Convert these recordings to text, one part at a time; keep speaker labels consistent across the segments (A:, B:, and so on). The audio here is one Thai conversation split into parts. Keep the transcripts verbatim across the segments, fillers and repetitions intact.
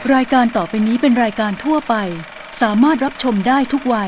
A: รายการต่อไปนี้เป็นรายการทั่วไปสามารถรับชมได้ทุกวัย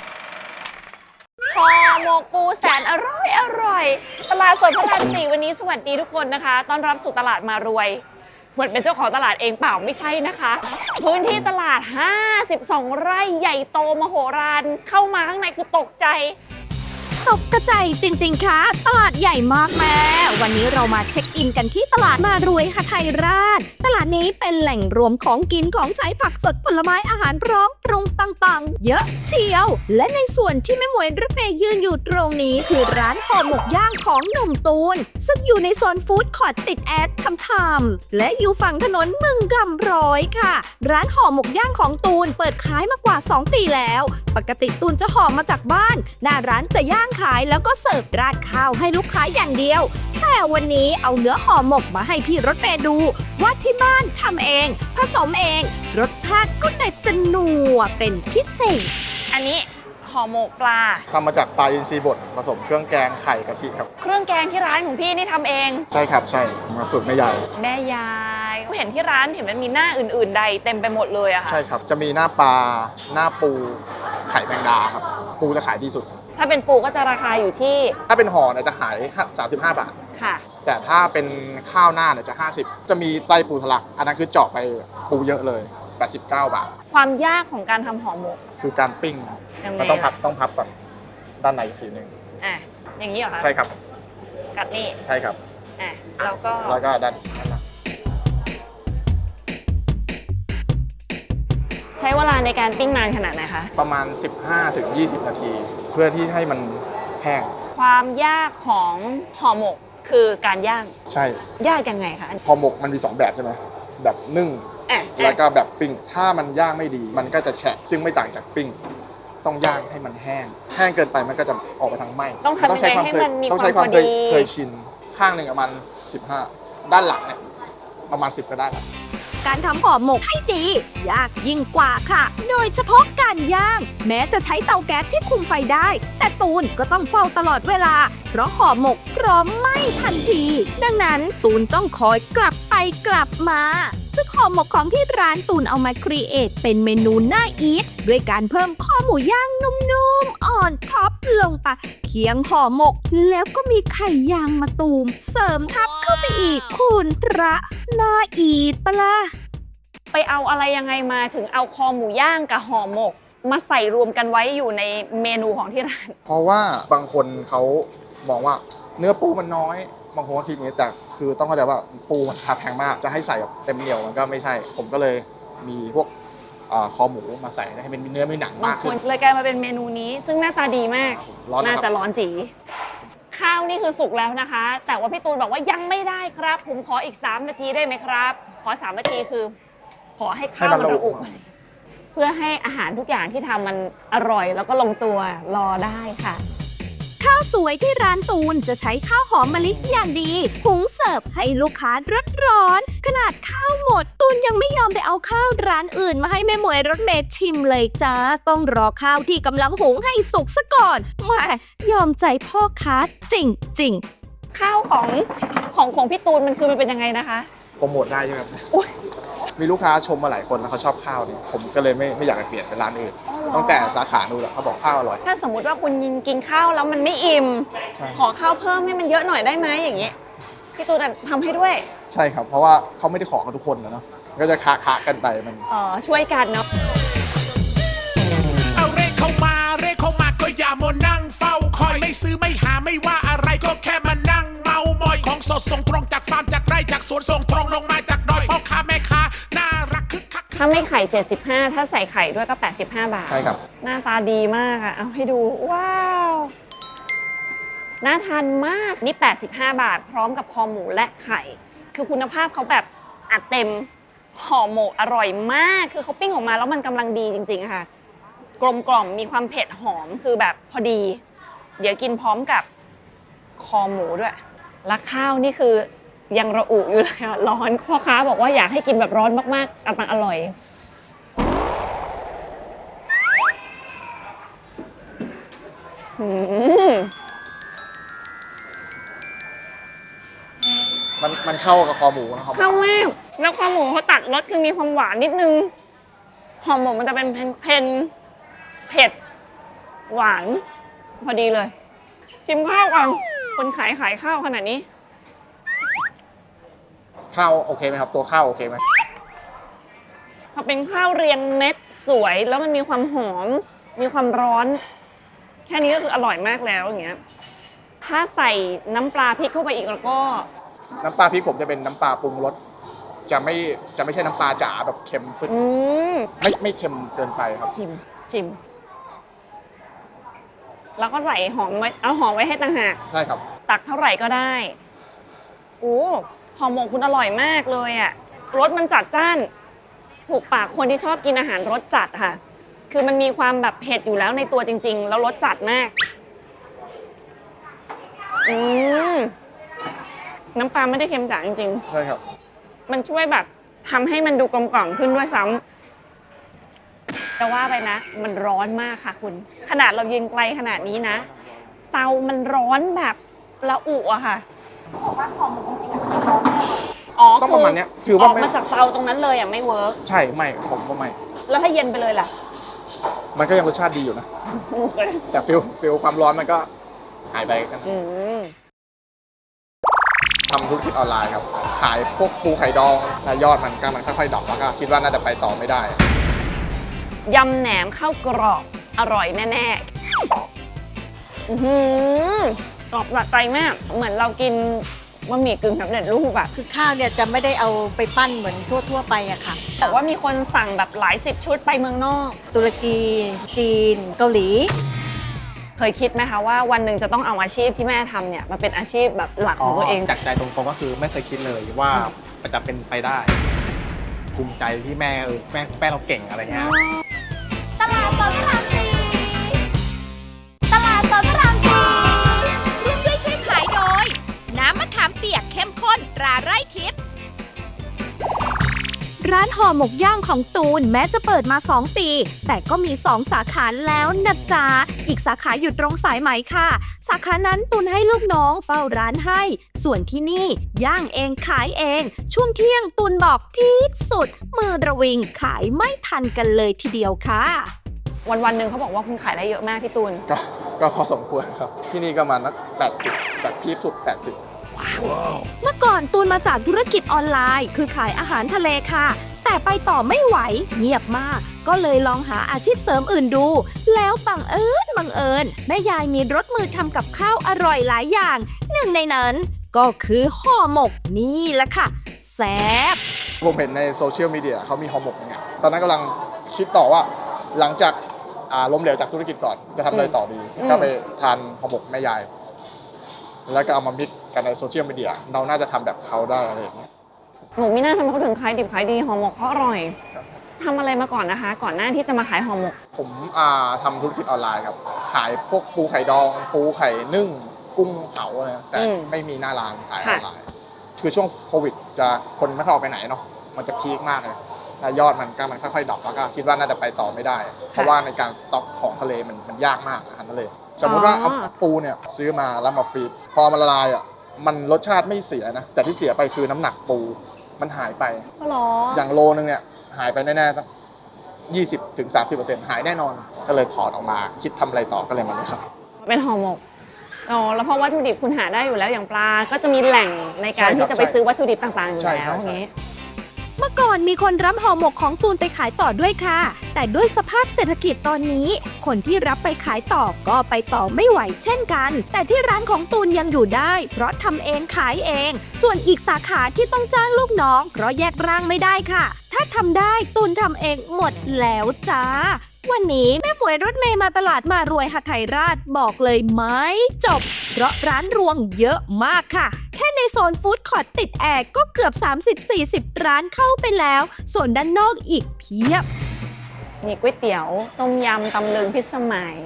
B: ห่อหมกปูแสนอร่อยอร่อยตลาดสดพระรามสี่วันนี้สวัสดีทุกคนนะคะต้อนรับสู่ตลาดมารวยเหมือนเป็นเจ้าของตลาดเองเปล่าไม่ใช่นะคะพื้นที่ตลาดห้าสิบสองไร่ใหญ่โตมโหฬารเข้ามาข้างในคือตกใจ
C: ตกกระจายจริงๆค่ะตลาดใหญ่มากแม่วันนี้เรามาเช็คอินกันที่ตลาดมารวยหทัยราชตลาดนี้เป็นแหล่งรวมของกินของใช้ผักสดผลไม้อาหารพร้อมปรุงต่างๆเยอะเชียวและในส่วนที่แม่หมวยรถเมย์ยืนอยู่ตรงนี้คือร้านห่อหมกย่างของหนุ่มตูนซึ่งอยู่ในโซนฟู้ดคอร์ทติดแอดช่ำๆและอยู่ฝั่งถนนมึงกำร้อยค่ะร้านห่อหมกย่างของตูนเปิดขายมากว่าสองปีแล้วปกติตูนจะห่อมาจากบ้านหน้าร้านจะย่างขายแล้วก็เสิร์ฟราดข้าวให้ลูกค้าอย่างเดียวแต่วันนี้เอาเนื้อห่อหมกมาให้พี่รถเมย์ดูว่าที่บ้านทำเองผสมเองรสชาติก็เลยจะนัวเป็นพิเศษ
B: อันนี้ห่อหมกปลา
D: ทำมาจากปลาอินทรีบดผสมเครื่องแกงไข่กะทิครับ
B: เครื่องแกงที่ร้านของพี่นี่ทำเอง
D: ใช่ครับใช่มาสูตรแม่ยาย
B: แม่ยายเห็นที่ร้านเห็นมันมีหน้าอื่นๆใดเต็มไปหมดเลยอะค่ะ
D: ใช่ครับจะมีหน้าปลาหน้าปูไข่แมงดาครับปูจะขายดีสุด
B: ถ้าเป็นปูก็จะราคาอยู่ที่
D: ถ้าเป็นห่อเนี่ยจะขายสามสิบห้าบาท
B: ค่ะ
D: แต่ถ้าเป็นข้าวหน้าเนี่ยจะห้าสิบจะมีไส้ปูทะลักอันนั้นคือเจาะไปปูเยอะเลยแปดสิบเก้าบาท
B: ความยากของการทำห่อหมก
D: คือการปิ้งมันต้องพับต้องพับก่อนด้านในอีกทีนึง
B: อ่ะอย่างนี้เหรอคะ
D: ใช่ครับ
B: กัดนี่
D: ใช่ครับ
B: อ่ะแล้วก็
D: แล้วก็ด้านด้านหลัง
B: ใช้เวลาในการปิ้งนานขนาดไหนคะ
D: ประมาณ สิบห้าถึงยี่สิบ นาทีเพื่อที่ให้มันแห้ง
B: ความยากของห่อหมกคือการย่าง
D: ใช่
B: ยากยังไงคะ
D: ห่อหมกมันมีสองแบบใช่ไหมแบบนึ่งแล้วก็แบบปิ้งถ้ามันย่างไม่ดีมันก็จะแฉะซึ่งไม่ต่างจากปิ้งต้องย่างให้มันแห้งแห้งเกินไปมันก็จะออกไปทางไหม้
B: ต้องทำยังไงให้มันมี
D: ต้องใช้ความเคยเคยชินข้างหนึ่งประมาณสิบห้าด้านหลังเนี่ยประมาณสิบก็ได้แล้ว
C: การทำห่อหมกให้ดียากยิ่งกว่าค่ะโดยเฉพาะการย่างแม้จะใช้เตาแก๊สที่คุมไฟได้แต่ตูนก็ต้องเฝ้าตลอดเวลาเพราะห่อหมกพร้อมไหม้ทันทีดังนั้นตูนต้องคอยกลับไปกลับมาซึ่งห่อหมกของที่ร้านตูนเอามาครีเอทเป็นเมนูน่าอีทด้วยการเพิ่มข้อหมูย่างนุ่มๆอ่อนท็อปลงไปเคียงห่อหมกแล้วก็มีไข่ยางมะตูมเสริมทับเข้าไปอีกคุณพระน่าอีทปะล่ะ
B: ไปเอาอะไรยังไงมาถึงเอาคอหมูย่างกับห่อหมกมาใส่รวมกันไว้อยู่ในเมนูของที่ร้าน
D: เพราะว่าบางคนเขามองว่าเนื้อปูมันน้อยบางคนก็คิดอย่างนี้แต่คือต้องเข้าใจว่าปูมันราคาแพงมากจะให้ใส่แบบเต็มเหนียวมันก็ไม่ใช่ผมก็เลยมีพวกคอหมูมาใส่ให้เป็นเนื้อไม่หนังมากขึ้น
B: เลยกลายมาเป็นเมนูนี้ซึ่งหน้าตาดีมากน่าจะร้อนจีข้าวนี่คือสุกแล้วนะคะแต่ว่าพี่ตูนบอกว่ายังไม่ได้ครับผมขออีกสามนาทีได้ไหมครับขอสามนาทีคือขอให้ข้าวมันระอุเพื่อให้อาหารทุกอย่างที่ทำมันอร่อยแล้วก็ลงตัวรอได้ค่ะ
C: ข้าวสวยที่ร้านตูนจะใช้ข้าวหอมมะลิอย่างดีหุงเสิร์ฟให้ลูกค้าร้อนๆขนาดข้าวหมดตูนยังไม่ยอมไปเอาข้าวร้านอื่นมาให้แม่หมวยรถเมย์ชิมเลยจ้าต้องรอข้าวที่กำลังหุงให้สุกซะก่อนแหมยอมใจพ่อค้าจริง
B: ๆข้าวของของของพี่ตูนมันคือมันเป็นยังไงนะคะ
D: โปรโมทได้ใช่ไหมมีลูกค้าชมมาหลายคนแล้วเขาชอบข้าวนี่ผมก็เลยไม่ไม่อยากเปลี่ยนเป็นร้านอื่นตั้งแต่สาขาดูแล้วเขาบอกข้าวอร่อย
B: ถ้าสมมุติว่าคุณยินกินข้าวแล้วมันไม่อิ่มขอข้าวเพิ่มให้มันเยอะหน่อยได้ไหมอย่างนี้พี่ตูนทำให้ด้วย
D: ใช่ครับเพราะว่าเขาไม่ได้ขอกันทุกคนนะเนาะก็จะคะคะกันไปมัน
B: อ๋อช่วยกันเนาะ
E: เอาเร่เข้ามาเร่เข้ามาก็อย่ามานั่งเฝ้าคอยไม่ซื้อไม่หาไม่ว่าอะไรก็แค่มานั่งเมามอยของสดส่งตรงจากฟาร์มจากไร่จากสวนส่งตรงลงมาจากดอยพ่อค้าแม่ค้าน่ารักคึกคัก
B: ถ้าไม่ไข่เจ็ดสิบห้าถ้าใส่ไข่ด้วยก็แปดสิบห้าบาท
D: ใช่ครับ
B: หน้าตาดีมากอ่ะเอาให้ดูว้าวน่าทานมากนี่แปดสิบห้าบาทพร้อมกับคอหมูและไข่คือคุณภาพเขาแบบอัดเต็มห่อหมกอร่อยมากคือเขาปิ้งออกมาแล้วมันกำลังดีจริงๆค่ะกลมกล่อมมีความเผ็ดหอมคือแบบพอดีเดี๋ยวกินพร้อมกับคอหมูด้วยและข้าวนี่คือยังระอุอยู่เลยอ่ะร้อนพ่อค้าบอกว่าอยากให้กินแบบร้อนมากๆกำลังอร่อย
D: มันมันเข้ากับคอหมูนะครับ
B: เข้ามากแล้วข้าวหมูเขาตัดรสคือมีความหวานนิดนึงห่อหมกมันจะเป็นเพนเผ็ดหวานพอดีเลยชิมข้าวก่อนคนขายขายข้าวขนาดนี้
D: ข้าวโอเคไหมครับตัวข้าวโอเคไหม
B: พอเป็นข้าวเรียงเม็ดสวยแล้วมันมีความหอมมีความร้อนแค่นี้ก็คืออร่อยมากแล้วอย่างเงี้ยถ้าใส่น้ำปลาพริกเข้าไปอีกแล้วก็
D: น้ำปลาพริกผมจะเป็นน้ำปลาปรุงรสจะไม่จะไม่ใช่น้ำปลาจ๋าแบบเค็มปึ๊ด
B: อืม
D: ไม่ไม่เค็มเกินไปครับ
B: ชิมชิมแล้วก็ใส่หอมไว้เอาหอมไว้ให้ต่างหาก
D: ใช่ครับ
B: ตักเท่าไหร่ก็ได้โอ้ห่อหมกคุณอร่อยมากเลยอะรสมันจัดจ้านถูกปากคนที่ชอบกินอาหารรสจัดค่ะคือมันมีความแบบเผ็ดอยู่แล้วในตัวจริงๆแล้วรสจัดมากอืมน้ำปลาไม่ได้เค็มจ๋าจริงๆ
D: ใช่ครับ
B: มันช่วยแบบทำให้มันดูกลมกล่อมขึ้นด้วยซ้ำแต่ว่าไปนะ มันร้อนมากค่ะคุณ ขนาดเรายืนไกลขนาดนี้นะ เตามันร้อนแบบละอุอะค่ะบอกว่าหอมจริงๆอะอ๋อ
D: ต้องประมาณเนี้ยถือ
B: อ
D: ว่า
B: อก
D: ไม่
B: มาจากเตาตรงนั้นเลยอะไม่เวิร์ก
D: ใช่ไม่ผมว่าไม่
B: แล้วถ้าเย็นไปเลยล่ะ
D: มันก็ยังรสชาติดีอยู่นะ แต่ฟิลฟิลความร้อนมันก็หายไปกัน
B: อืม
D: ทำธุรกิจออนไลน์ครับ ขายพวกปูไข่ดองแล้วยอดมันก็มันค่อยๆดรอปแล้วก็คิดว่าน่าจะไปต่อไม่ได้
B: ยำแหนมข้าวกรอบอร่อยแน่ๆ อื้อหือกรอบสะใจมาก เหมือนเรากินบะหมี่กึ่งสำเร็จรูปแบบ
F: คือข้าวเนี่ยจะไม่ได้เอาไปปั้นเหมือนทั่ว ๆ ไปอะค่ะ
B: แต่ว่ามีคนสั่งแบบหลายสิบชุดไปเมืองนอก
F: ตุรกีจีน เกาหลี
B: เคยคิดไหมคะว่าวันหนึ่งจะต้องเอาอาชีพที่แม่ทำเนี่ยมาเป็นอาชีพแบบหลักของตัวเอง
G: จากใจตรงๆก็คือไม่เคยคิดเลยว่ามันจะเป็นไปได้ ภูมิใจที่แม่เออแม่แม่เราเก่งอะไรเงี้ย
C: ตลาดสดพระรามสี่ตลาดสดพระรามสี่ร่วมด้วยช่วยขายโดย น้ำมะขามเปียกเข้มข้นตราไร่ทิพย์ร้านห่อหมกย่างของตูนแม้จะเปิดมาสองปี แต่ก็มีสองสาขาแล้วนะจ๊ะอีกสาขาอยู่ตรงสายไหมค่ะ สาขานั้นตูนให้ลูกน้องเฝ้าร้านให้ ส่วนที่นี่ย่างเองขายเอง ช่วงเที่ยงตูนบอกที่สุด มือระวิงขายไม่ทันกันเลยทีเดียวค่ะ
B: วันวันๆหนึ่งเขาบอกว่าคุณขายได้เยอะมากพี่ตูน
D: ก็ก็พอสมควรครับ ที่นี่ก็มานักแปดสิบแบบพีคสุดแปดสิบ
C: เมื่อก่อนตูนมาจากธุรกิจออนไลน์ คือขายอาหารทะเลค่ะ แต่ไปต่อไม่ไหวเงียบมาก ก็เลยลองหาอาชีพเสริมอื่นดู แล้วบังเอิญบังเอิญแม่ยายมีรสมือทำกับข้าวอร่อยหลายอย่าง หนึ่งในนั้น ก็คือห่อหมกนี่แหละค่ะแซ่บ
D: ผมเห็นในโซเชียลมีเดียเขามีห่อหมกอย่างเงี้ยตอนนั้นกำลังคิดต่อว่าหลังจากอ่าล้มเหลวจากธุรกิจก่อนจะทำอะไรต่อดี
B: อืม
D: ก็ไปทานห่อหมกแม่ยาย แล้วก็เอามามิกกันในโซเชียลมีเดียเราน่าจะทำแบบเขาได้อะไรอย่างเงี้ย
B: หนูไม่น่าทำให้เขาถึงขายดิบขายดีห่อหมกเขาอร่อยทำอะไรมาก่อนนะคะ ก่อนหน้าที่จะมาขายห่อหมก
D: ผมอ่าทำธุรกิจออนไลน์ครับ ขายพวกปูไข่ดอง ปูไข่นึ่ง กุ้งเผาอะไรนะแต่
B: อืม
D: ไม่มีหน้าร้านขายอ
B: ค่ะ
D: อนไลน์ คือช่วงโควิดจะคนไม่เข้าออกไปไหนเนาะ มันจะพีคมากเลยแล้วยอดมันก็มันค่อยๆดรอปแล้วก็คิดว่าน่าจะไปต่อไม่ได้ เพราะว่าในการสต็อกของทะเลมันมันยากมากอาหารทะเล สมมติว่าเอาปูเนี่ยซื้อมาแล้วมาฟรีซพอมันละลายอ่ะ มันรสชาติไม่เสียนะ แต่ที่เสียไปคือน้ำหนักปู มันหายไป
B: ก็หรอ
D: อย่างโลนึงเนี่ยหายไปแน่ๆสักยี่สิบถึงสามสิบเปอร์เซ็นต์หายแน่นอน ก็เลยถอดออกมา คิดทำอะไรต่อก็เลยมาเลยครับ
B: เป็นห่อหมกอ๋อแล้วเพราะวัตถุดิบคุณหาได้อยู่แล้วอย่างปลาก็จะมีแหล่งในการที่จะไปซื้อวัตถุดิบต่างๆอยู่
D: ใช่
B: แล้
D: ครั
B: ว
D: บ
B: อย่างนี้
C: เมื่อก่อนมีคนรับห่อหมกของตูนไปขายต่อด้วยค่ะ แต่ด้วยสภาพเศรษฐกิจตอนนี้ คนที่รับไปขายต่อก็ไปต่อไม่ไหวเช่นกัน แต่ที่ร้านของตูนยังอยู่ได้ เพราะทำเองขายเอง ส่วนอีกสาขาที่ต้องจ้างลูกน้อง เพราะแยกร่างไม่ได้ค่ะ ถ้าทำได้ตูนทำเองหมดแล้วจ้า วันนี้แม่ป่วยรถเมย์มาตลาดมารวยหทัยราชบอกเลยไม่จบ เพราะร้านรวงเยอะมากค่ะ แค่ในโซนฟู้ดคอร์ทติดแอร์ก็เกือบ สามสิบถึงสี่สิบ ร้านเข้าไปแล้ว ส่วนด้านนอกอีกเพียบ
B: มีก๋วยเตี๋ยว ต้มยำตำลึงพิสมัย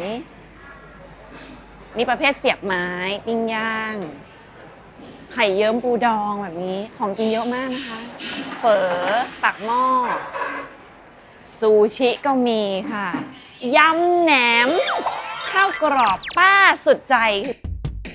B: มีประเภทเสียบไม้ปิ้งย่าง ไข่เยิ้มปูดองแบบนี้ ของกินเยอะมากนะคะ เฝอปักหม้อ ซูชิก็มีค่ะ ยำแหนม ข้าวกรอบป้าสุดใจ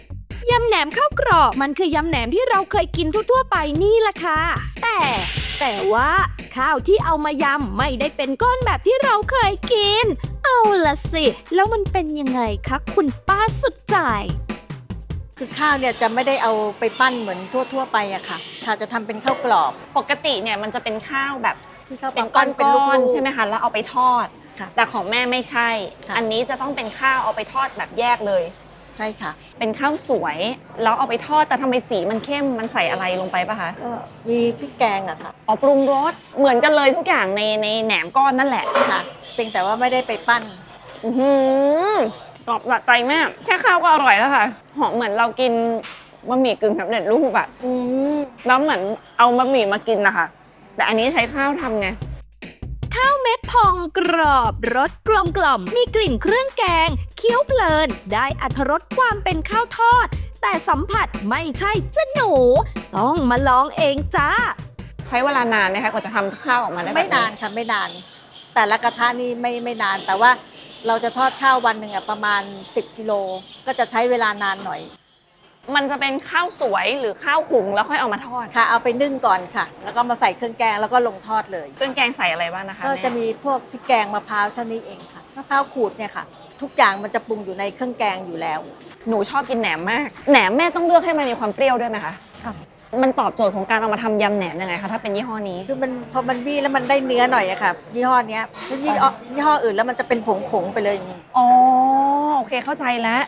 C: ยำแหนมข้าวกรอบมันคือยำแหนมที่เราเคยกินทั่วๆไปนี่แหละค่ะแต่แต่ว่าข้าวที่เอามายำไม่ได้เป็นก้อนแบบที่เราเคยกินเอาละสิแล้วมันเป็นยังไงคะคุณป้าสุดใจ
F: คือข้าวเนี่ยจะไม่ได้เอาไปปั้นเหมือนทั่วๆไปอะค่ะค่ะจะทำเป็นข้าวกรอบ
B: ปกติเนี่ยมันจะเป็นข้าวแบบ
F: ที่เขา
B: เป็น
F: ปั้นเป็น
B: ก้
F: ลู
B: อน
F: ก
B: ๆ
F: ๆ
B: ใช่ไหมคะแล้วเอาไปทอด
F: ค่ะ
B: แต่ของแม่ไม่ใช่
F: ค่ะ
B: อันนี้จะต้องเป็นข้าวเอาไปทอดแบบแยกเลย
F: ใช่ค่ะ
B: เป็นข้าวสวยแล้วเอาไปทอดแต่ทำไมสีมันเข้มมันใส่อะไรลงไปปะคะ
F: ก็มีพริกแกงอะค่ะ
B: อ๋อปรุงรสเหมือนกันเลยทุกอย่างในในแหนมก้อนนั่นแหละ
F: ค่ะเพียงแต่ว่าไม่ได้ไปปั้น
B: อือหือกรอบสะใจมากแค่ข้าวก็อร่อยแล้วค่ะหอมเหมือนเรากินบะหมี่กึ่งสำเร็จรูปอะ
F: อืม
B: แล้วเหมือนเอาบะหมี่มากินนะคะแต่อันนี้ใช้ข้าวทำไง
C: ข้าวเม็ดพองกรอบรสกลมกล่อมมีกลิ่นเครื่องแกงเคี้ยวเพลินได้อรรถรสความเป็นข้าวทอด แต่สัมผัสไม่ใช่จ้ะหนู ต้องมาลองเองจ้า
B: ใช้เวลานานไหมคะกว่าจะทำข้าวออกมาได้แบบ
F: ไม่นานค่ะไม่นาน แต่ละกระทะนี่ไม่ไม่นาน แต่ว่าเราจะทอดข้าววันหนึ่งอะประมาณสิบกิโลก็จะใช้เวลานานหน่อย
B: มันจะเป็นข้าวสวยหรือข้าวหุงแล้วค่อยเอามาทอด
F: ค่ะเอาไปนึ่งก่อนค่ะ แล้วก็มาใส่เครื่องแกงแล้วก็ลงทอดเลย
B: เครื่องแกงใส่อะไรบ้างนะคะ
F: ก็
B: แม่
F: จะมีพวกพริกแกงมะพร้าวเท่านี้เองค่ะมะพร้าวขูดเนี่ยค่ะ ทุกอย่างมันจะปรุงอยู่ในเครื่องแกงอยู่แล้ว
B: หนูชอบกินแหนมมากแหนมแม่ต้องเลือกให้มันมีความเปรี้ยวด้วยไหมคะ
F: ค่ะ
B: มันตอบโจทย์ของการเอามาทำยำแหนมยังไงคะถ้าเป็นยี่ห้อนี้
F: คือมันพอมันบี้แล้วมันได้เนื้อหน่อยอะค่ะยี่ห้อเนี้ยถ้ายี่ห้อยี่ห้ออื่นแล้วมันจะเป็นผงผงๆไปเลย
B: อ๋อโอเคเข้าใจแล้ว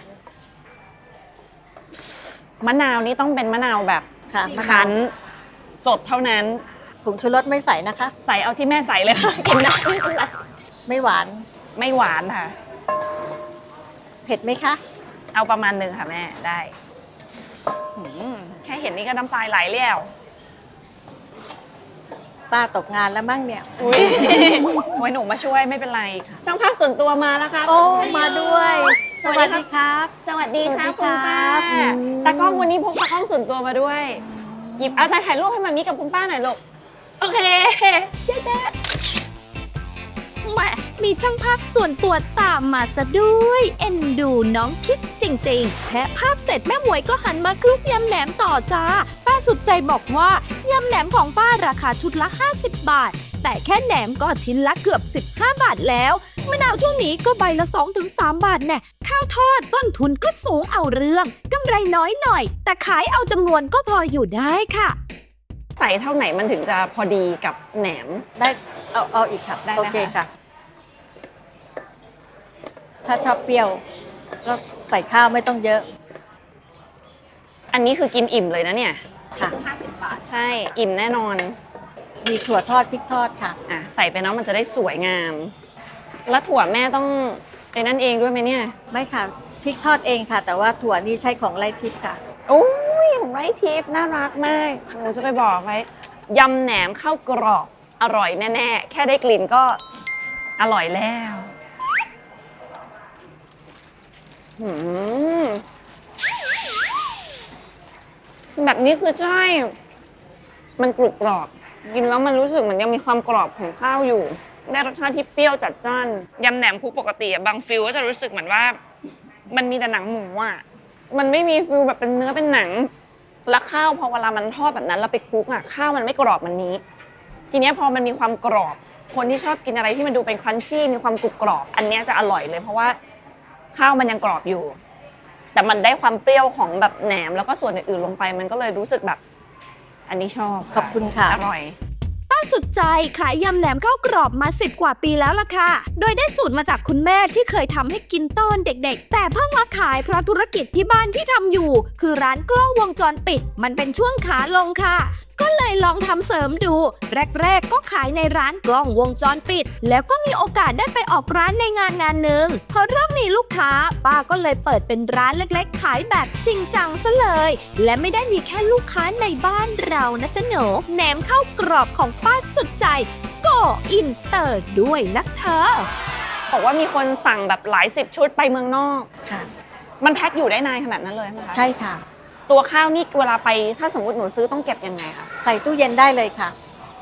B: มะนาวนี่ต้องเป็นมะนาวแบบ
F: ค่ะมะนา
B: คั้
F: วน
B: สดเท่านั้น
F: ผงชูรสไม่ใส่นะคะ
B: ใส่เอาที่แม่ใส่เลยค่ะ กินได้ไม่เป็นไร
F: ไม่หวาน
B: ไม่หวานค่ะ
F: เผ็ดไหมคะ
B: เอาประมาณหนึ่งค่ะแม่ได้หืมแค่เห็นนี่ก็น้ำตาไหลแล้ว
F: ป้าตกงานแล้วมั้งเนี่ย
B: อุ้ย ไว้หนูมาช่วยไม่เป็นไร ช่างภาพส่วนตัวมาแล้วค่ะ
F: โอ้มาด้วย
B: สวัสดีครับ
F: สวัสดีครับ
B: สวัสดีค่ะคุณป้า
F: อืม
B: ตากล้องวันนี้พกตากล้องส่วนตัวมาด้วย หยิบเอาใจถ่ายรูปให้มามีกับคุณป้าหน่อยลูก โอเคเจ๊
C: แหมมีช่างภาพส่วนตัวตามมาซะด้วย เอ็นดูน้องคิดจริงๆแชะภาพเสร็จแม่หมวยก็หันมาคลุกยำแหนมต่อจ้า ป้าสุดใจบอกว่ายำแหนมของป้าราคาชุดละห้าสิบบาท แต่แค่แหนมก็ชิ้นละเกือบสิบห้าบาทแล้วมะนาวช่วงนี้ก็ใบละ สองถึงสาม บาทแน่ข้าวทอดต้นทุนก็สูงเอาเรื่องกำไรน้อยหน่อย แต่ขายเอาจำนวนก็พออยู่ได้ค่ะ
B: ใส่เท่าไหนมันถึงจะพอดีกับแหนม
F: ได้เอาเอาอีกค่ะ
B: ได้นะคะ
F: โอเคค่ะ ถ้าชอบเปรี้ยว ก็ใส่ข้าวไม่ต้องเยอะ
B: อันนี้คือกินอิ่มเลยนะเนี่ย
F: ค่ะ
B: ใช่ อิ่มแน่นอน
F: มีถั่วทอดพริกทอดค่ะ
B: อ่ะใส่ไปเนาะมันจะได้สวยงาม แล้วถั่วแม่ต้องไอ้นั่นเองด้วยไหมเนี่ย
F: ไม่ค่ะพริกทอดเองค่ะ แต่ว่าถั่วนี่ใช้ของไร่ทิพย์ค่ะ
B: โอ้ยของไร่ทิพย์น่ารักมากหนูจะไปบอกไว้ยำแหนมข้าวกรอบอร่อยแน่ๆ แค่ได้กลิ่นก็อร่อยแล้วหืมแบบนี้คือใช่ มันกรุบกรอบ กินแล้วมันรู้สึกเหมือนยังมีความกรอบของข้าวอยู่ ได้รสชาติที่เปรี้ยวจัดจ้านยำแหนมคุกปกติอะบางฟิลก็จะรู้สึกเหมือนว่า มันมีแต่หนังหมูอะมันไม่มีฟิลแบบเป็นเนื้อเป็นหนัง แล้วข้าวพอเวลามันทอดแบบนั้นแล้วไปคลุกอะข้าวมันไม่กรอบมันนี้ ทีเนี้ยพอมันมีความกรอบ คนที่ชอบกินอะไรที่มันดูเป็นครันชี่มีความกรุบกรอบ อันเนี้ยจะอร่อยเลย เพราะว่าข้าวมันยังกรอบอยู่ แต่มันได้ความเปรี้ยวของแบบแหนมแล้วก็ส่วนอื่นๆลงไป มันก็เลยรู้สึกแบบ อันนี้ชอบ
F: ขอบคุณค่ะ
B: อร่อย
C: ป้าสุดใจขายยำแหนมข้าวกรอบมาสิบกว่าปีแล้วล่ะค่ะ โดยได้สูตรมาจากคุณแม่ที่เคยทำให้กินตอนเด็กๆ แต่เพิ่งมาขายเพราะธุรกิจที่บ้านที่ทำอยู่ คือร้านกล้องวงจรปิด มันเป็นช่วงขาลงค่ะ ก็เลยลองทำเสริมดู แรกๆ ก็ขายในร้านกล้องวงจรปิด แล้วก็มีโอกาสได้ไปออกร้านในงานงานหนึ่งพอเริ่มมีลูกค้า ป้าก็เลยเปิดเป็นร้านเล็กๆ ขายแบบจริงจังซะเลย และไม่ได้มีแค่ลูกค้าในบ้านเรานะจ๊ะหนูแหนมข้าวกรอบของป้าสุดใจก็อินเตอร์ด้วยนะเธอ
B: บอกว่ามีคนสั่งแบบหลายสิบชุดไปเมืองนอก
F: ค่ะ
B: มันแพ็คอยู่ได้นานขนาดนั้นเลยไหมคะ
F: ใช่ค่ะ
B: ตัวข้าวนี่เวลาไปถ้าสมมติหนูซื้อต้องเก็บยังไงคะ
F: ใส่ตู้เย็นได้เลยค่ะ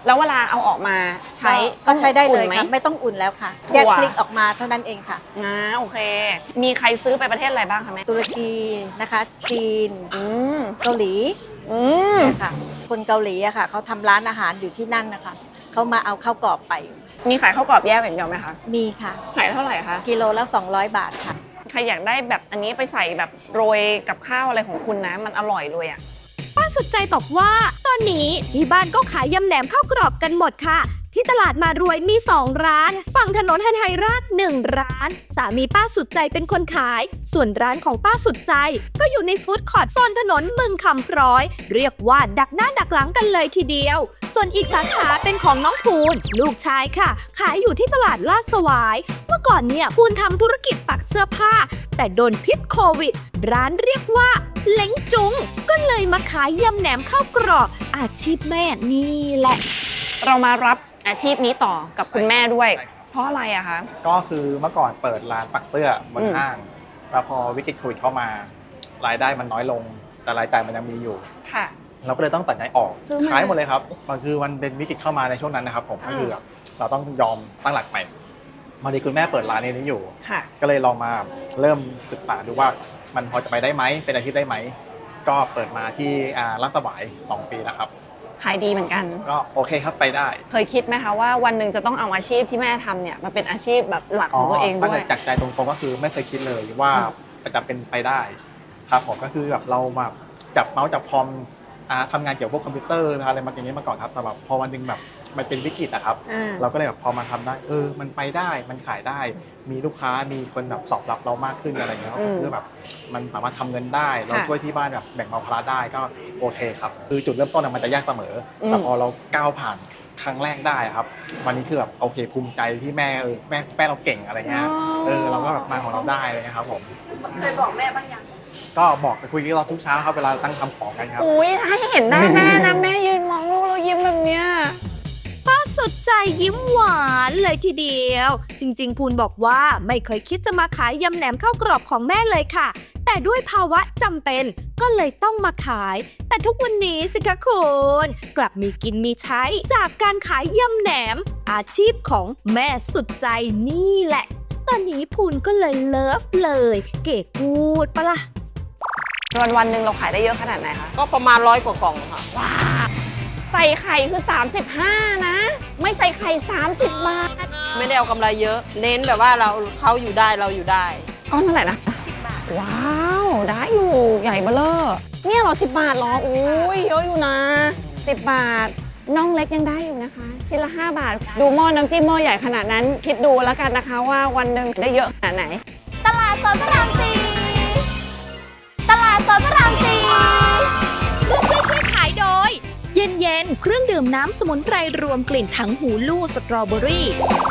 B: แล้วเวลาเอาออกมาใช้
F: ก็ใช้ได้เลย
B: อุ่นหม
F: ค่ะไม่ต้องอุ่นแล้วค่ะ
B: ถั่ว
F: แยกพลิกออกมาเท่านั้นเองค่ะ
B: นะโอเค มีใครซื้อไปประเทศอะไรบ้างคะแม่
F: ตุรกีนะคะ จีน
B: อืม
F: เกาหลี
B: อืม
F: เนี่ยค่ะ คนเกาหลีอะค่ะเขาทำร้านอาหารอยู่ที่นั่นนะคะเขามาเอาข้าวกรอบไป
B: มีขายข้าวกรอบแยกอย่างเดียวไหมคะ
F: มีค่ะ
B: ขายเท่าไหร่คะ
F: กิโลละสองร้อยบาทค่ะ
B: ใครอยากได้แบบอันนี้ไปใส่แบบโรยกับข้าวอะไรของคุณนะ มันอร่อยเลยอ่ะ
C: ป้าสุดใจบอกว่าตอนนี้ที่บ้านก็ขายยำแหนมข้าวกรอบกันหมดค่ะ ที่ตลาดมารวยมีสองร้านฝั่งถนนฮันไฮราชหนึ่งร้าน สามีป้าสุดใจเป็นคนขาย ส่วนร้านของป้าสุดใจก็อยู่ในฟู้ดคอร์ทโซนถนนบึงคำพร้อย เรียกว่าดักหน้าดักหลังกันเลยทีเดียว ส่วนอีกสาขาเป็นของน้องภูนลูกชายค่ะ ขายอยู่ที่ตลาดลาดสวาย เมื่อก่อนเนี่ยภูนทำธุรกิจปักเสื้อผ้า แต่โดนพิษโควิด ร้านเรียกว่าเล้งจุงก็เลยมาขายยำแหนมข้าวกรอบอาชีพแม่นี่แหละ
B: เรามารับอาชีพนี้ต่อกับคุณแม่ด้วย เพราะอะไรอะคะ
G: ก็คือเมื่อก่อนเปิดร้านปักเสื้อบน
B: อืม
G: ห้างแล้วพอวิกฤตโควิดเข้ามา รายได้มันน้อยลง แต่รายจ่ายมันยังมีอยู่
B: ค่ะ
G: เราก็เลยต้องตัดใจออก
B: ซื้อมา
G: ขายหมดเลยครับ มันคือมันเป็นวิกฤตเข้ามาในช่วงนั้นนะครับผม
B: อ่า
G: ก็คือแบบเราต้องยอมตั้งหลักใหม่มาดีคุณแม่เปิดร้านนี้อยู่
B: ค่ะ
G: ก็เลยลองมาเริ่มศึกษาดูว่ามันพอจะไปได้ไหมเป็นอาชีพได้ไหม ก็เปิดมาที่อ่าลาดสวายสองปีแล้วครับ
B: ขายดีเหมือนกัน
G: ก็โอเคครับไปได้
B: เคยคิดไหมคะว่าวันหนึ่งจะต้องเอาอาชีพที่แม่ทำเนี่ยมาเป็นอาชีพแบบหลักของตัวเองด้วย
G: จากใจตรงๆก็คือไม่เคยคิดเลยว่าจะเป็นไปได้ครับผมก็คือแบบเราแบบจับเมาส์จับคอมอ่าทำงานเกี่ยวกับพวกคอมพิวเตอร์อะไรมาอย่างนี้มาก่อนครับแต่แบบพอวันหนึงแบบมันเป็นวิกฤตอะครับ
B: อ่า
G: เราก็เลยแบบพอมาทำได้เออมันไปได้มันขายได้ มีลูกค้ามีคนแบบตอบรับเรามากขึ้นอะไรเงี้ย
B: อืม
G: คือแบบมันสามารถทำเงินได้เรา
B: ค่ะ
G: ช่วยที่บ้านแบบแบ่งเบาภาระได้ก็โอเคครับคือจุดเริ่มต้นอะมันจะยากเสมออ
B: ม
G: แต่พอเราก้าวผ่านครั้งแรกได้อะครับวันนี้คือแบบโอเคภูมิใจที่แม่เออแม่แม่เราเก่งอะไรเงี้ยเออเราก็แบบมาของเราได้เลยนะครับผม
C: เคยบอกแม่บ้างยัง
G: ก็บอกไปคุยกับเราทุกเช้าครับเวลาตั้งทำของกันครับ
B: อุ้ยถ้าให้เห็นหน้าแม่นะ แม่ยืนมองลูกแล้วยิ้มแบบเนี้ย
C: ป้าสุดใจยิ้มหวานเลยทีเดียว จริงๆ ภูนบอกว่าไม่เคยคิดจะมาขายยำแหนมข้าวกรอบของแม่เลยค่ะ แต่ด้วยภาวะจำเป็นก็เลยต้องมาขาย แต่ทุกวันนี้สิคะคุณกลับมีกินมีใช้จากการขายยำแหนม อาชีพของแม่สุดใจนี่แหละ ตอนนี้ภูนก็เลยเลิฟเลย เก๋กูดปะล่ะ
B: วันวันๆหนึ่งเราขายได้เยอะขนาดไหนคะ
H: ก็ประมาณร้อยกว่ากล่องค่ะ
B: ว้าวใส่ไข่คือสามสิบห้านะ ไม่ใส่ไข่สามสิบบาท
H: ไม่ได้เอากำไรเยอะ เน้นแบบว่าเราเขาอยู่ได้เราอยู่ได้
B: ก้อนเท่าไหร่นะสิบบาท ว้าว ได้อยู่ใหญ่เบ้อเร่อเนี่ยเหรอสิบบาทเหรออุ้ยเยอะอยู่นะสิบบาทน่องเล็กยังได้อยู่นะคะชิ้นละห้าบาท ดูหม้อน้ำจิ้มหม้อใหญ่ขนาดนั้น คิดดูแล้วกันนะคะว่าวันหนึ่งได้เยอะขนาดไหน
C: ตลาดสดพระรามสี่ตลาดสดพระรามสี่ร่วมด้วยช่วยขายโดย เย็นเย็นๆเครื่องดื่มน้ำสมุนไพรรวมกลิ่นถังหูลู่สตรอเบอรี่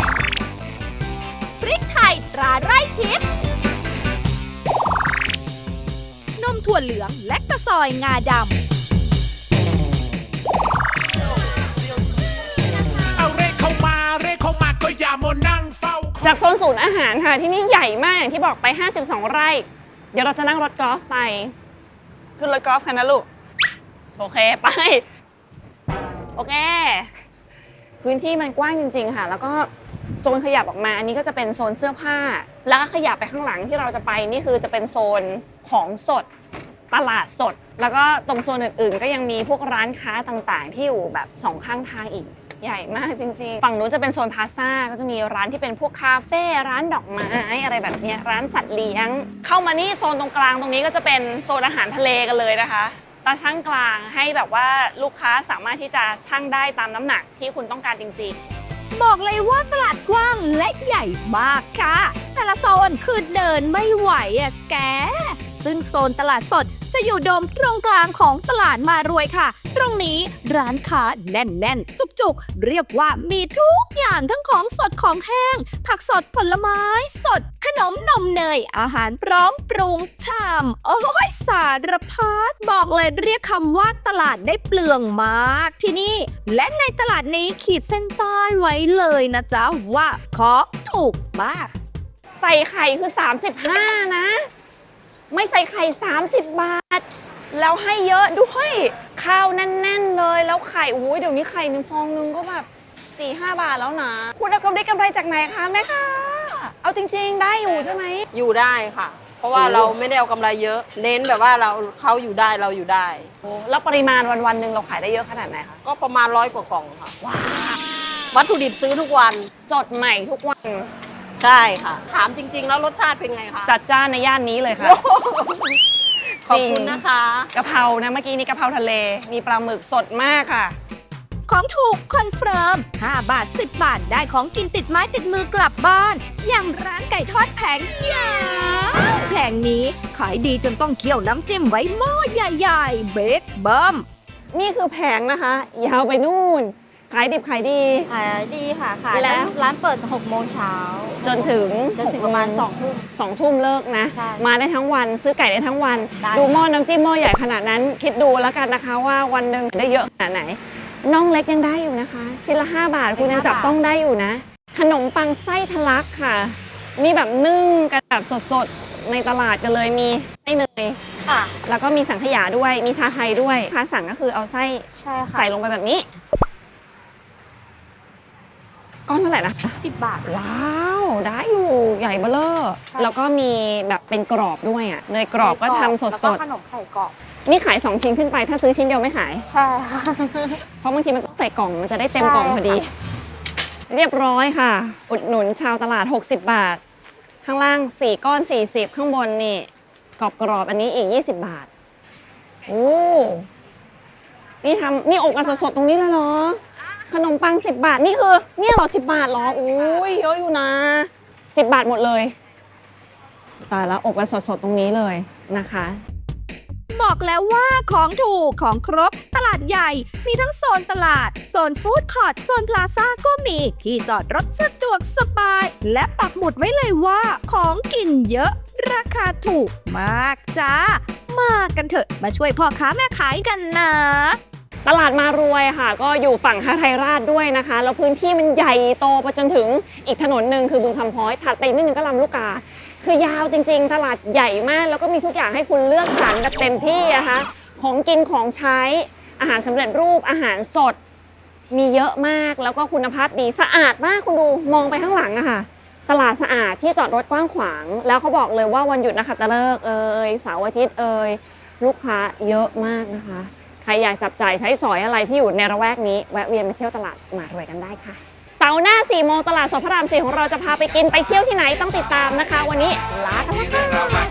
C: พริกไทยตราไร่ทิพย์นมถั่วเหลืองและตะซอยงาดำ
E: เอาเรขเข้ามาเรขเข้ามาก็อย่ามานั่งเฝ้า
B: จากโซนศูนย์อาหารค่ะที่นี่ใหญ่มากอย่างที่บอกไปห้าสิบสองไร่ เดี๋ยวเราจะนั่งรถกอล์ฟไปขึ้นรถกอล์ฟกันนะลูก โอเคไป โอเค พื้นที่มันกว้างจริง ๆ ค่ะ แล้วก็โซนขยับออกมาอันนี้ก็จะเป็นโซนเสื้อผ้า แล้วก็ขยับไปข้างหลังที่เราจะไปนี่คือจะเป็นโซนของสดตลาดสด แล้วก็ตรงโซนอื่นๆ ก็ยังมีพวกร้านค้าต่างๆ ที่อยู่แบบสองข้างทางอีก ใหญ่มากจริงๆ ฝั่งนู้นจะเป็นโซนพาสต้าก็จะมีร้านที่เป็นพวกคาเฟ่ร้านดอกไม้อะไรแบบเนี้ยร้านสัตว์เลี้ยง เข้ามานี่โซนตรงกลางตรงนี้ก็จะเป็นโซนอาหารทะเลกันเลยนะคะตาช่างกลางให้แบบว่าลูกค้าสามารถที่จะชั่งได้ตามน้ำหนักที่คุณต้องการจริงๆ
C: บอกเลยว่าตลาดกว้างและใหญ่มากค่ะ แต่ละโซนคือเดินไม่ไหวอะแก ซึ่งโซนตลาดสดจะอยู่โดมตรงกลางของตลาดมารวยค่ะ ตรงนี้ร้านค้าแน่นๆ จุกๆ เรียกว่ามีทุกอย่างทั้งของสดของแห้ง ผักสดผลไม้สด ขนมนมเนย อาหารพร้อมปรุงชาม โอ้ยสารพัดบอกเลยเรียกคำว่าตลาดได้เปลืองมากที่นี่ และในตลาดนี้ขีดเส้นใต้ไว้เลยนะจ๊ะว่าของถูกมาก
B: ใส่ไข่คือสามสิบห้านะ ไม่ใส่ไข่สามสิบบาทแล้วให้เยอะด้วยข้าวแน่นๆเลยแล้วไข่โอ้ยเดี๋ยวนี้ไข่หนึ่งฟองนึงก็แบบสี่ห้าบาทแล้วนะคุณเอากำไรกำไรจากไหนคะแม่คะเอาจริงๆได้อยู่ใช่ไหม
H: อยู่ได้ค่ะ เพราะว่า
B: โอ้
H: เราไม่ได้เอากำไรเยอะ เน้นแบบว่าเราเขาอยู่ได้เราอยู่ได้
B: แล้วปริมาณวันๆหนึ่งเราขายได้เยอะขนาดไหนคะ
H: ก็ประมาณร้อยกว่ากล่องค่ะ
B: ว้าว
H: วัตถุดิบซื้อทุกวัน
B: สดใหม่ทุกวัน
H: ใช่ค่ะ ถามจริง ๆ แล้วรสชาติเป็นไงคะ
B: จัดจ้านในย่านนี้เลยค่ะ
H: ขอบคุณนะคะ
B: กะเพรานะเมื่อกี้นี่กะเพราทะเลมีปลาหมึกสดมากค่ะ
C: ของถูกคอนเฟิร์มห้าบาทสิบบาทได้ของกินติดไม้ติดมือกลับบ้าน อย่างร้านไก่ทอดแผงยาวแผงนี้ขายดีจนต้องเคี่ยวน้ำจิ้มไว้หม้อใหญ่ๆ เบกเบิ้ม
B: นี่คือแผงนะคะ ยาวไปนู่น ขายดิบขายดี
F: ขายดีค่ะ ขาย
B: แล้ว
F: ร้านเปิดหกโมงเช้า
B: จนถึง
F: จนถึงประมาณสองทุ่ม
B: สองทุ่มเลิกนะ
F: ใช่
B: มาได้ทั้งวันซื้อไก่ได้ทั้งวัน
F: ได้
B: ดูหม้อน้ำจิ้มหม้อใหญ่ขนาดนั้น คิดดูแล้วกันนะคะว่าวันหนึ่งได้เยอะขนาดไหนน่องเล็กยังได้อยู่นะคะ ชิ้นละห้าบาทคุณยังจับต้องได้อยู่นะ ขนมปังไส้ทะลักค่ะ มีแบบนึ่งกันแบบสดๆ ในตลาดกันเลยมีไส้เนย
F: ค่ะ
B: แล้วก็มีสังขยาด้วยมีชาไทยด้วยค้าสั่งก็คือเอาไส้
F: ใช่ค่ะ
B: ใส่ลงไปแบบนี้ ก้อนเท่าไหร่นะ
F: สิบบาท
B: ว้าวได้อยู่ใหญ่เบ้อเร่อ
F: ใช่
B: แล้วก็มีแบบเป็นกรอบด้วยอ่ะเนยกรอบก็ทำส
F: แล้วก็
B: ด
F: ขนมไข่กรอบ
B: ๆนี่ขายสองชิ้นขึ้นไปถ้าซื้อชิ้นเดียวไม่ขาย
F: ใช่ค่ะ
B: เพราะบางทีมันต้องใส่กล่องมันจะได้เต็ม
F: ใช่
B: กล่องพอดี
F: ค่ะ
B: เรียบร้อยค่ะ อุดหนุนชาวตลาด หกสิบบาท ข้างล่างสี่ก้อนสี่สิบข้างบนนี่กรอบกรอบๆอันนี้อีกยี่สิบบาทโอ้นี่ทำนี่อบกันสดๆตรงนี้เลยเหรอขนมปังสิบบาทนี่คือเนี่ยเหรอสิบบาทเหรออุ้ยเยอะอยู่นะสิบบาทหมดเลยตายแล้วอบกันสดๆตรงนี้เลยนะคะ
C: บอกแล้วว่าของถูกของครบตลาดใหญ่ มีทั้งโซนตลาด โซนฟู้ดคอร์ทโซนพลาซ่าก็มีที่จอดรถสะดวกสบาย และปักหมุดไว้เลยว่าของกินเยอะราคาถูกมากจ้า มากันเถอะมาช่วยพ่อค้าแม่ขายกันนะ
B: ตลาดมารวยค่ะ ก็อยู่ฝั่งฮาไทยราชด้วยนะคะ แล้วพื้นที่มันใหญ่โตไปจนถึงอีกถนนหนึ่งคือบึงคำพ้อยถัดไปนิดนึงก็ลำลูกกา คือยาวจริงๆ ตลาดใหญ่มาก แล้วก็มีทุกอย่างให้คุณเลือกสรรแบบเต็มที่นะคะของกินของใช้อาหารสำเร็จรูปอาหารสดมีเยอะมากแล้วก็คุณภาพดีสะอาดมากคุณดูมองไปข้างหลังอะค่ะ ตลาดสะอาดที่จอดรถกว้างขวางแล้วเขาบอกเลยว่าวันหยุดนักขัตฤกษ์เอ่ยเสาร์อาทิตย์เอ่ยลูกค้าเยอะมากนะคะ ใครอยากจับจ่ายใช้สอยอะไรที่อยู่ในระแวกนี้แวะเวียนมาเที่ยวตลาดมารวยกันได้ค่ะเสาร์หน้าสี่โมงตลาดสดพระรามสี่ของเราจะพาไปกินไปเที่ยวที่ไหนต้องติดตามนะคะ วันนี้ลากันแล้วค่ะ